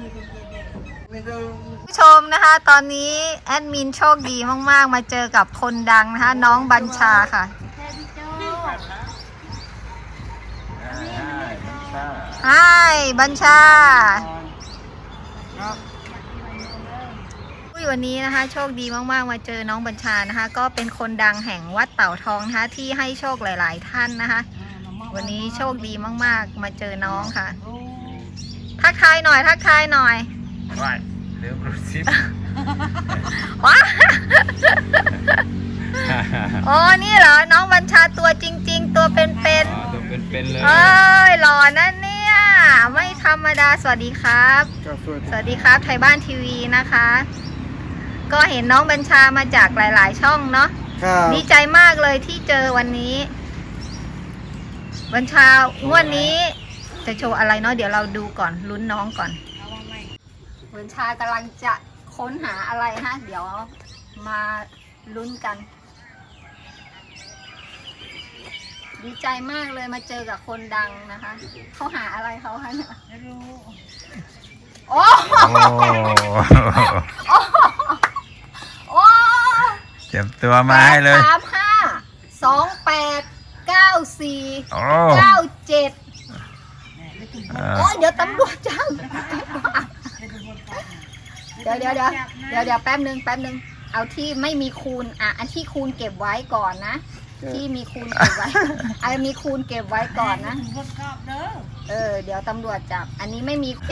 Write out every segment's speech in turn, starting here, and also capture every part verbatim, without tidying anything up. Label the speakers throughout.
Speaker 1: ผู้ชมนะคะตอนนี้แอดมินโชคดีมากๆมาเจอกับคนดังนะคะน้องบัญชาค่ะไฮบัญชาวันนี้นะคะโชคดีมากๆมาเจอน้องบัญชานะคะก็เป็นคนดังแห่งวัดเต่าทองนะคะที่ให้โชคหลายๆท่านนะคะวันนี้โชคดีมากๆมาเจอน้องค่ะทักทายหน่อยทักทายหน่อย
Speaker 2: ว้ายเร็วกระซิบ
Speaker 1: ว้าโอ้นี่เหรอน้องบัญชาตัวจริงๆตัวเป็นๆ
Speaker 2: ตัวเป็นๆเลย
Speaker 1: เอ้ยหล่อนั่นเนี่ยไม่ธรรมดาสวัสดีครับสวัสดีครับไทยบ้านทีวีนะคะก็เห็นน้องบัญชามาจากหลายๆช่องเนาะดีใจมากเลยที่เจอวันนี้บัญชางวดนี้จะโชว์อะไรเนาะเดี๋ยวเราดูก่อนลุ้นน้องก่อนบัญชากำลังจะค้นหาอะไรฮะเดี๋ยวมาลุ้นกันดีใจมากเลยมาเจอกับคนดังนะคะเขาหาอะไรเขาคะเนี่ยไม่รู้โอ้โอ้
Speaker 2: เจ็บตัวมาให้เลย
Speaker 1: สามห้าสองแปดเก้าสี่เก้าเจ็ดโอ้ยเดี๋ยวตำรวจจังเดี๋ยวเดี๋ยวเดี๋ยวเดี๋ยวเดี๋ยวแป๊บนึงแป๊บนึงเอาที่ไม่มีคูณอ่ะอันที่คูณเก็บไว้ก่อนนะที่มีคูณเก็บไว้ไอ้มีคูณเก็บไว้ก่อนนะเออเดี๋ยวตำรวจจับอันนี้ไม่มีเค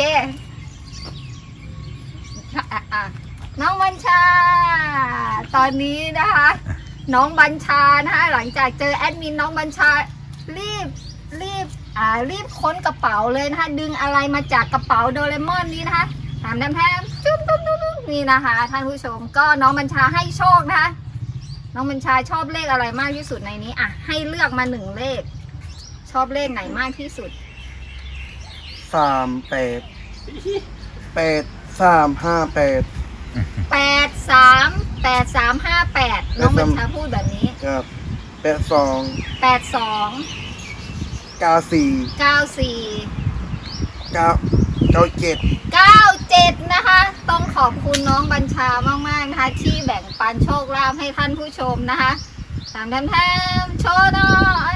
Speaker 1: น้องบัญชาตอนนี้นะคะน้องบัญชานะคะหลังจากเจอแอดมินน้องบัญชารีบรีบอ่ารีบค้นกระเป๋าเลยนะคะดึงอะไรมาจากกระเป๋าโดเรมอนนี้นะคะถามแทมแทมจุ๊บจุ๊บจุ๊บนี่นะคะท่านผู้ชมก็น้องบัญชาให้โชคนะคะน้องบัญชาชอบเลขอะไรมากที่สุดในนี้อ่ะให้เลือกมาหนึ่งเลขชอบเลขไหนมากที่สุด
Speaker 3: สามแปดแปดสามห้าแปด
Speaker 1: แปดสามแปดสามห้าแปดน้องบัญชาพูดแบบนี้
Speaker 3: ครับแปดสอง
Speaker 1: แปดสอง
Speaker 3: เก้าสี่
Speaker 1: เก้าสี่
Speaker 3: เก้าเก้าเจ็ด
Speaker 1: เก้าเจ็ดนะคะต้องขอบคุณน้องบัญชามากๆนะคะที่แบ่งปันโชคลาภให้ท่านผู้ชมนะคะตามแทมแทมโชว์หน่อย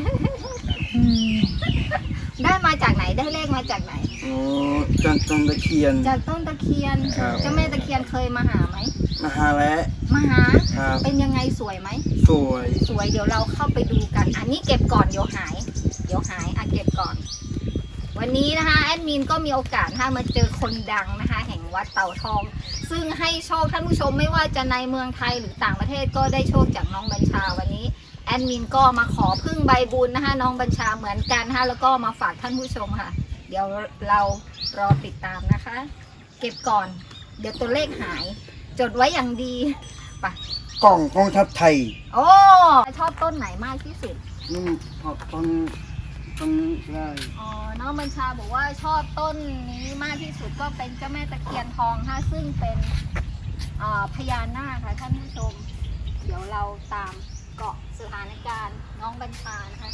Speaker 1: ได้มาจากไหนได้เลขมาจากไหน
Speaker 3: โอ้จากต้นตะเคียน
Speaker 1: จากต้นตะเคียนเจ้าแม่ตะเคียนเคยมาหาไหม
Speaker 3: มาหาแล้ว
Speaker 1: มาหาเป็นยังไงสวยไหม
Speaker 3: สวย
Speaker 1: สวยเดี๋ยวเราเข้าไปดูกันอันนี้เก็บก่อนเดี๋ยวหายเดี๋ยวหายอ่ะเก็บก่อนวันนี้นะคะแอดมินก็มีโอกาสนะคะมาเจอคนดังนะคะแห่งวัดเต่าทองซึ่งให้โชคท่านผู้ชมไม่ว่าจะในเมืองไทยหรือต่างประเทศก็ได้โชคจากน้องบัญชาวันนี้แอดมินก็มาขอพึ่งใบบุญนะคะน้องบัญชาเหมือนกันนะคะแล้วก็มาฝากท่านผู้ชมค่ะเดี๋ยวเรารอติดตามนะคะเก็บก่อนเดี๋ยวตัวเลขหายจดไว้อย่างดีไป
Speaker 3: กล่องกองทัพไทย
Speaker 1: โอ้ชอบต้นไหนมากที่สุด
Speaker 3: อืมชอบต้นต้นได้
Speaker 1: อ๋อน้องบัญชาบอกว่าชอบต้นนี้มากที่สุดก็เป็นเจ้าแม่ตะเคียนทองค่ะซึ่งเป็นพญานาคค่ะท่านผู้ชมเดี๋ยวเราตามเกาะสถานการณ์น้องบัญชานะคะ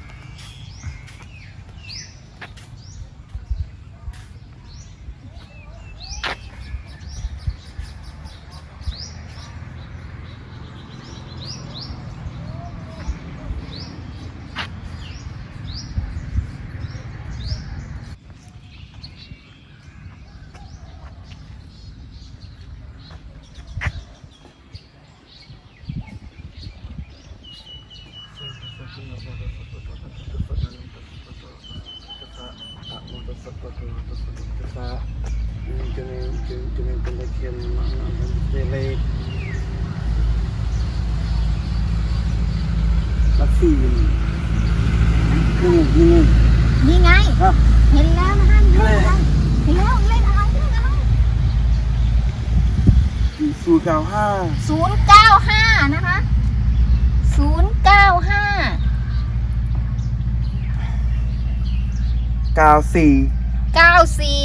Speaker 3: จะมีจะจะมีเป็นตะเคียนเลขลักซี่นี่นี่
Speaker 1: นี่ไงเห็นแล้วนะฮะเลขอะไรเห็นแล้วเลขอะไรเลขอะไร
Speaker 3: ศูนย์เก้าห้า
Speaker 1: ศูนย์เก้าห้านะคะศูนย์เก้าห้า
Speaker 3: เก้าสี่
Speaker 1: เก้าสี่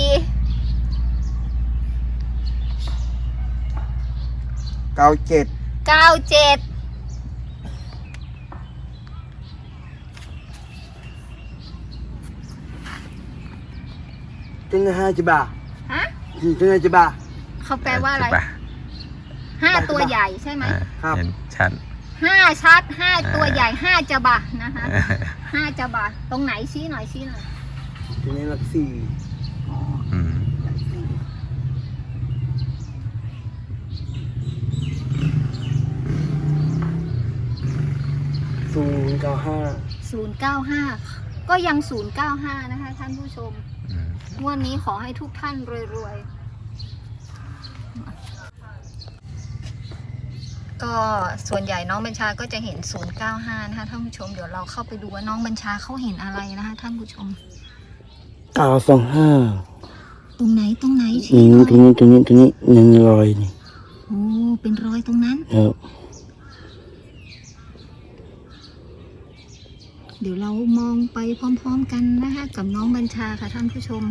Speaker 3: เก้าเจ็ด
Speaker 1: เก้าเจ็ด
Speaker 3: จึงห้าจิบะ
Speaker 1: ฮะ
Speaker 3: ถึงจะบ้า
Speaker 1: เขาแปลว่าอะไร
Speaker 2: จบ
Speaker 1: ห้าตัวใหญ่ใช่ไหม
Speaker 2: อ่า
Speaker 3: ครับ
Speaker 2: เห็นชัด
Speaker 1: ห้าชัดห้าตัว
Speaker 2: อ่า
Speaker 1: ใหญ่ห้าจะบะนะคะห้าจะบะตรงไหนชี้หน่อยชี้หน่อย
Speaker 3: ทีนี้หลักสี่
Speaker 2: อืม
Speaker 3: หลักสี่ศูนย์เก้าห้า
Speaker 1: ศูนย์เก้าห้าก็ยังศูนย์เก้าห้านะคะท่านผู้ชม
Speaker 2: อืม
Speaker 1: งวดนี้ขอให้ทุกท่านรวยๆก็ส่วนใหญ่น้องบัญชาก็จะเห็นศูนย์เก้าห้านะคะท่านผู้ชมเดี๋ยวเราเข้าไปดูว่าน้องบัญชาเขาเห็นอะไรนะคะท่านผู้ชม
Speaker 3: เก้าสองห้า
Speaker 1: ตรงไหนตรงไหน
Speaker 3: อื
Speaker 1: ชี้
Speaker 3: ม
Speaker 1: หน่อย
Speaker 3: ตรงนี้ตรงนี้ตรงนี้หนึ่งรอยนี่
Speaker 1: โอ้เป็นรอยตรงนั้น
Speaker 3: ครับ
Speaker 1: เดี๋ยวเรามองไปพร้อมๆกันนะคะกับน้องบัญชาค่ะท่านผู้ชม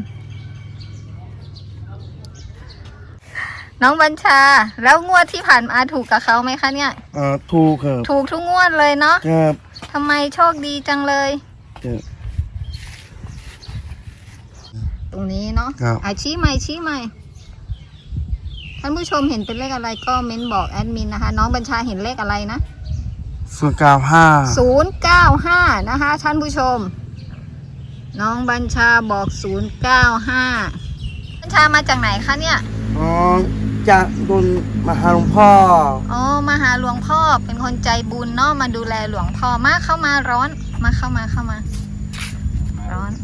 Speaker 1: น้องบัญชา แล้วงวดที่ผ่านมาถูกกับเขาไหมคะเนี่ย
Speaker 3: อ่าถูกครับ
Speaker 1: ถูกทุกงวดเลยเนาะ
Speaker 3: ครับ
Speaker 1: ทำไมโชคดีจังเลย
Speaker 3: ครับ
Speaker 1: ตรงนี้เนาะ
Speaker 3: ครับ
Speaker 1: อ่ะชี้ใหม่ชี้ใหม่ท่านผู้ชมเห็นเป็นเลขอะไรก็เม้นบอกแอดมินนะคะ น้องบัญชาเห็นเลขอะไรนะ
Speaker 3: ศูนย์เก้าห้า
Speaker 1: ศูนย์เก้าห้านะคะท่านผู้ชม น้องบัญชาบอกศูนย์เก้าห้าบัญชามาจากไหนคะเนี่ย
Speaker 3: อ๋อจากบนมหาหลวงพ่อ
Speaker 1: อ๋อมาหาหลวงพ่อเป็นคนใจบุญเนาะมาดูแลหลวงพ่อมาเข้ามาร้อนมาเข้ามาเข้ามา ร้อน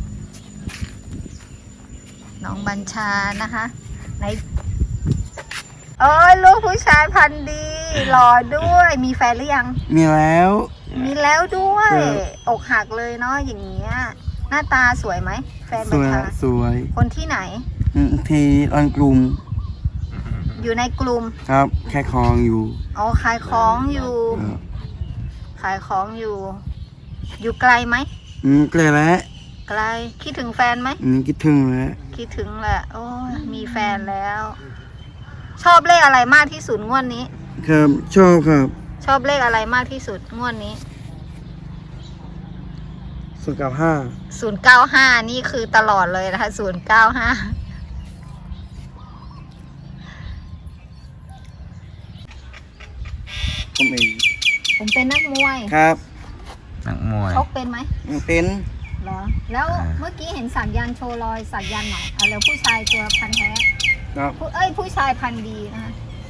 Speaker 1: น้องบัญชานะคะไหนโอ้ยลูกผู้ชายพันธุ์ดีหล่อด้วยมีแฟนหรือยัง
Speaker 3: มีแล้ว
Speaker 1: มีแล้วด้วย
Speaker 3: ครับ
Speaker 1: อกหักเลยเนาะอย่างเงี้ยหน้าตาสวยไหมแฟน
Speaker 3: ส
Speaker 1: บัญ
Speaker 3: วย
Speaker 1: ชา
Speaker 3: สวย
Speaker 1: คนที่ไหน
Speaker 3: อืมที่อันกลุ่ม
Speaker 1: อยู่ในกลุ่ม
Speaker 3: ครับแค่คลองอยู่
Speaker 1: อ๋อขายของอยู่
Speaker 3: ครับ
Speaker 1: ขายของอยู่ อยู่ไกลไหม
Speaker 3: อืมเกลแล้ว
Speaker 1: ไกลคิดถึงแฟนไหม
Speaker 3: อืมคิดถึงแล้ว
Speaker 1: คิดถึงแหละโอ้ยมีแฟนแล้ว ชอบเลขอะไรมากที่สุดงวดนี้
Speaker 3: ครับชอบครับ
Speaker 1: ชอบเลขอะไรมากที่สุดงวดนี้
Speaker 3: ศูนย์เก้าห้า
Speaker 1: ศูนย์เก้าห้านี่คือตลอดเลยนะคะศูนย์เก้าห้า
Speaker 3: ผมเอง
Speaker 1: ผมเป็นนักมวย
Speaker 3: ครับ
Speaker 2: นักมวย
Speaker 1: ชกเป็นไหม
Speaker 3: เป็น
Speaker 1: เหรอแล้ว
Speaker 2: อ่า
Speaker 1: เมื่อกี้เห็นสัญญาณโชว์รอยสัญญาณหน่อยเอาแล้วผู้ชายตัวพันธุ์แท้
Speaker 3: ครับ
Speaker 1: ผู้เอ้ยผู้ชายพันธุ์ดีนะคะ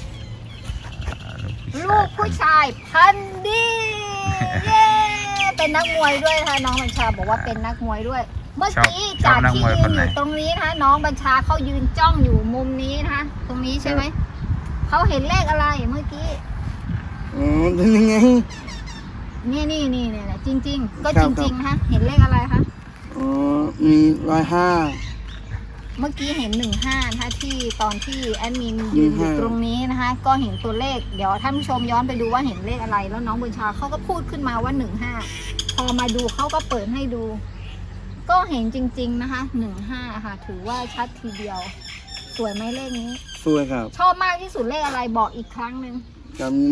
Speaker 2: ลู
Speaker 1: ลู
Speaker 2: ก
Speaker 1: ก
Speaker 2: ผู้
Speaker 1: ผู้
Speaker 2: ชาย
Speaker 1: ชายพันธุ์ดี เย้เป็นนักมวยด้วยนะคะน้องบัญชาบอกว่าเป็นนักมวยด้วย เมื่อกี้
Speaker 2: ชอบ
Speaker 1: จาก
Speaker 2: นัก
Speaker 1: ที่
Speaker 2: มวย
Speaker 1: ยื
Speaker 2: คน
Speaker 1: น
Speaker 2: ไห
Speaker 1: อน ยู่ตรงนี้นะคะน้องบัญชาเขายืนจ้องอยู่มุมนี้นะคะตรงนี้ใช่ไหมเขาเห็นเลขอะไรเมื่อกี้
Speaker 3: อ๋อเป็นยังไง
Speaker 1: นี่นี่นี่เนี่ยจริง ๆ ก็
Speaker 3: ครั
Speaker 1: จ
Speaker 3: บ
Speaker 1: ริงๆนะคะเห็นเลขอะไรคะ
Speaker 3: อ๋อมีร้อยห้า
Speaker 1: เมื่อกี้เห็นหนึ่งห้านะคะที่ตอนที่แอดมินยืนอยู่
Speaker 3: หนึ่งห้า
Speaker 1: ตรงนี้นะคะ ก็เห็นตัวเลขเดี๋ยวท่านผู้ชมย้อนไปดูว่าเห็นเลขอะไร แล้วน้องบัญชาเขาก็พูดขึ้นมาว่าหนึ่งห้าพอมาดูเขาก็เปิดให้ดู ก็เห็นจริง ๆนะคะหนึ่งห้าค่ะ ถือว่าชัดทีเดียว สวยไหมเลขนี้
Speaker 3: สวยครับ
Speaker 1: ชอบมากที่สุดเลขอะไรบอกอีกครั้งหนึ่ง
Speaker 3: จำ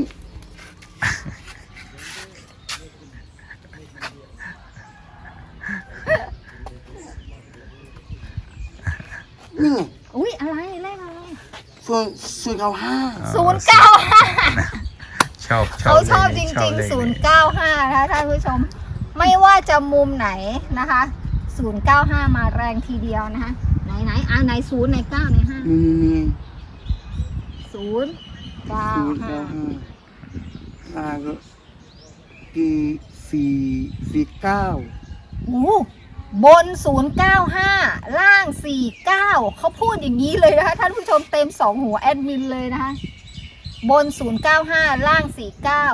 Speaker 3: นี่ไง
Speaker 1: อุ้ยอะไรเลขอะไร
Speaker 3: ส่วนศูนย์เก้าห้า
Speaker 1: ศูนย์เก้าห้า
Speaker 2: ชอบชอบ
Speaker 1: เขาชอบ
Speaker 2: ล
Speaker 1: จ
Speaker 2: ย
Speaker 1: ริง
Speaker 2: เล
Speaker 1: ๆ
Speaker 2: ย
Speaker 1: ศูนย์เก้าห้านะคะท่านผู้ชม ไม่ว่าจะมุมไหนนะคะศูนย์เก้าห้ามาแรงทีเดียวนะคะ ไหนไหนอ่าไหนศูนย์ไหนเก้าไหนห้า
Speaker 3: นี่นี่นี่
Speaker 1: ศูนย์เก้า
Speaker 3: ศูนย์
Speaker 1: ห้า
Speaker 3: เก้าห้าอ่าก็กี่สี่สี่เก้า
Speaker 1: โอ้บนศูนย์เก้าห้าล่างสี่เก้าเขาพูดอย่างนี้เลยนะคะท่านผู้ชมเต็มสองหัวแอดมินเลยนะคะ บนศูนย์เก้าห้าล่างสี่เก้า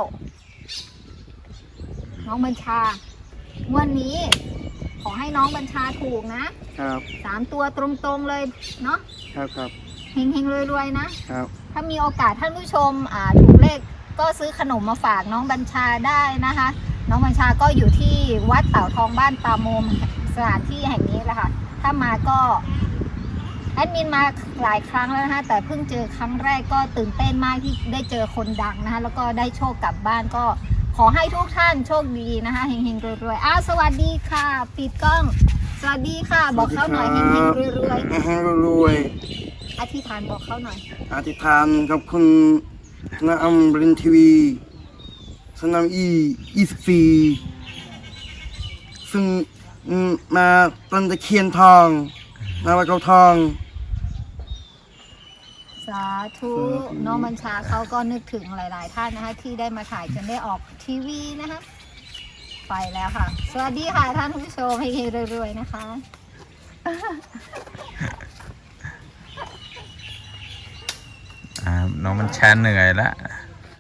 Speaker 1: น้องบัญชางวันนี้ ขอให้น้องบัญชาถูกนะครับ สามตัวตรงๆเลยเนาะ
Speaker 3: ครับครับ
Speaker 1: เฮงๆรวยๆนะ
Speaker 3: ครับ
Speaker 1: ถ้ามีโอกาสท่านผู้ชมอ่าถูกเลขก็ซื้อขนมมาฝากน้องบัญชาได้นะคะ น้องบัญชาก็อยู่ที่วัดเต่าทองบ้านตาโมมสถานที่แห่งนี้แหละค่ะถ้ามาก็แอดมินมาหลายครั้งแล้วนะคะแต่เพิ่งเจอครั้งแรกก็ตื่นเต้นมากที่ได้เจอคนดังนะคะแล้วก็ได้โชคกลับบ้านก็ขอให้ทุกท่านโชคดีนะคะเฮงๆรวยๆอ้าวสวัสดีค่ะปิดกล้อง สวัสดีค่ะ บอกเขาหน่อยเฮงๆรวยๆ
Speaker 3: ให้รวย
Speaker 1: อธิษฐานบอกเขาหน่อย
Speaker 3: อธิษฐานกับคุณนาอัมรินทีวีสนามอียี่สิบสี่ซึ่งมาต้นตะเคียนทองนาวัดเขาทอง
Speaker 1: สาธุน้องบัญชาเขาก็นึกถึงหลาย ๆ ท่านนะคะที่ได้มาถ่ายจนได้ออกทีวีนะคะไปแล้วค่ะ สวัสดีค่ะท่านผู้ชมให้เฮรวยๆนะคะ
Speaker 2: อ่าน้องมันชาเหนื่อยละ